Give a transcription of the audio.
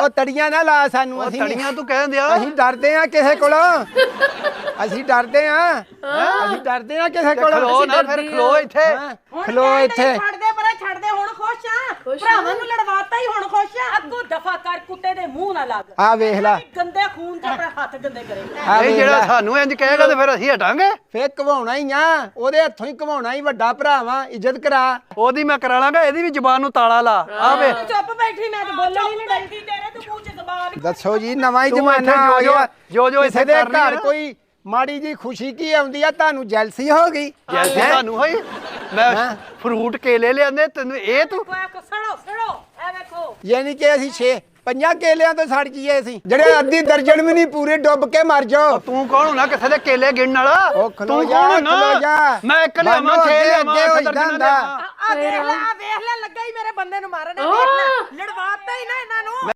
ਉਹ ਤੜੀਆਂ ਨਾ ਲਾ ਸਾਨੂੰ ਅਸੀਂ ਤੜੀਆਂ ਤੂੰ ਕਹਿ ਦਿਆ ਅਸੀਂ ਡਰਦੇ ਆ ਕਿਸੇ ਕੋਲੋਂ ਅਸੀਂ ਡਰਦੇ ਆ ਅਸੀਂ ਡਰਦੇ ਆ ਕਿਸੇ ਕੋਲੋਂ ਖਲੋ ਨਾ ਫਿਰ ਖਲੋ ਇੱਥੇ ਖਲੋ ਇੱਥੇ ਛੱਡ ਦੇ ਹੁਣ ਖੁਸ਼ ਆ ਭਰਾਵਾਂ ਨੂੰ ਲੜਵਾਤਾ ਹੀ ਹੁਣ ਖੁਸ਼ ਆ ਅੱਗੋਂ ਦਫਾ ਕਰ ਕੁੱਤੇ ਦੇ ਮੂੰਹ ਨਾ ਲੱਗ ਆ ਵੇਖ ਲੈ ਗੰਦੇ ਖੂਨ ਚ ਆਪਣੇ ਹੱਥ ਗੰਦੇ ਕਰੇ ਇਹ ਜਿਹੜਾ ਸਾਨੂੰ ਇੰਜ ਕਹੇਗਾ ਤੇ ਫਿਰ ਅਸੀਂ ਹਟਾਂਗੇ ਫੇਰ ਘਵਾਉਣਾ ਹੀ ਆ ਉਹਦੇ ਹੱਥੋਂ ਹੀ ਘਵਾਉਣਾ ਹੀ ਵੱਡਾ ਭਰਾਵਾ ਇੱਜ਼ਤ ਕਰਾ ਉਹਦੀ ਮੈਂ ਕਰਾ ਲਾਂਗਾ ਇਹਦੀ ਵੀ ਜ਼ਬਾਨ ਨੂੰ ਤਾਲਾ ਲਾ ਆ ਵੇ ਚੁੱਪ ਬੈਠੀ ਮੈਂ ਤੇ ਬੋਲਣ ਹੀ ਨਹੀਂ ਡਰਦੀ ਤੇਰੇ ਤੂੰ ਮੂੰਹ ਚ ਜ਼ਬਾਨ ਦੱਸੋ ਜੀ ਨਵਾਂ ਹੀ ਤੂੰ ਜ਼ਮਾਨਾ ਇੱਥੇ ਆ ਗਿਆ ਜੋ ਕਿਸੇ ਇੱਥੇ ਦੇ ਕਰਨੀ ਆ ਘਰ ਨਾ। ਕੋਈ ਮਾੜੀ ਜੀ ਖੁਸ਼ੀ ਕੀ ਆਉਂਦੀ ਆ ਤੁਹਾਨੂੰ ਜੈਲਸੀ ਹੋ ਗਈ ਜੈਸੀ ਤੁਹਾਨੂੰ ਹੋਈ ਮੈਂ ਫਰੂਟ ਕੇਲੇ ਲਿਆਂਦੇ ਤੈਨੂੰ ਇਹ ਤੂੰ ਸੜੋ ਐ ਵੇਖੋ ਯਾਨੀ ਕਿ ਅਸੀਂ 5 ਕੇਲਿਆਂ ਤੋਂ ਸੜ ਜੀਏ ਅਸੀਂ ਜਿਹੜੇ ਅੱਧੀ ਦਰਜਨ ਵੀ ਨਹੀਂ ਪੂਰੇ ਡੁੱਬ ਕੇ ਮਰ ਜਾਓ ਤੂੰ ਕੌਣ ਹੋਣਾ ਕਿਸੇ ਦੇ ਕੇਲੇ ਗਿਣਨ ਵਾਲਾ ਉਹ ਖਲੋ ਤੂੰ ਜਾ, ਕੌਣ ਹੋਣਾ ਖਲੋ ਜਾ। ਮੈਂ ਇੱਕ ਲਿਆਵਾਂ ਮੰਨੋ ਛੇ ਅੱਗੇ ਲਿਆਵਾਂ ਹੋ ਇੱਕ ਦਰਜਨ ਜਾਂਦਾ। ਲਿਆਵਾਂ ਆ ਵੇਖ ਲੈ ਲੱਗਾ ਹੀ ਮੇਰੇ ਬੰਦੇ ਨੂੰ ਮਾਰਨ ਵੇਖ ਲੈ ਲੜਵਾਤਾ ਹੀ ਨਾ ਇਹਨਾਂ ਨੂੰ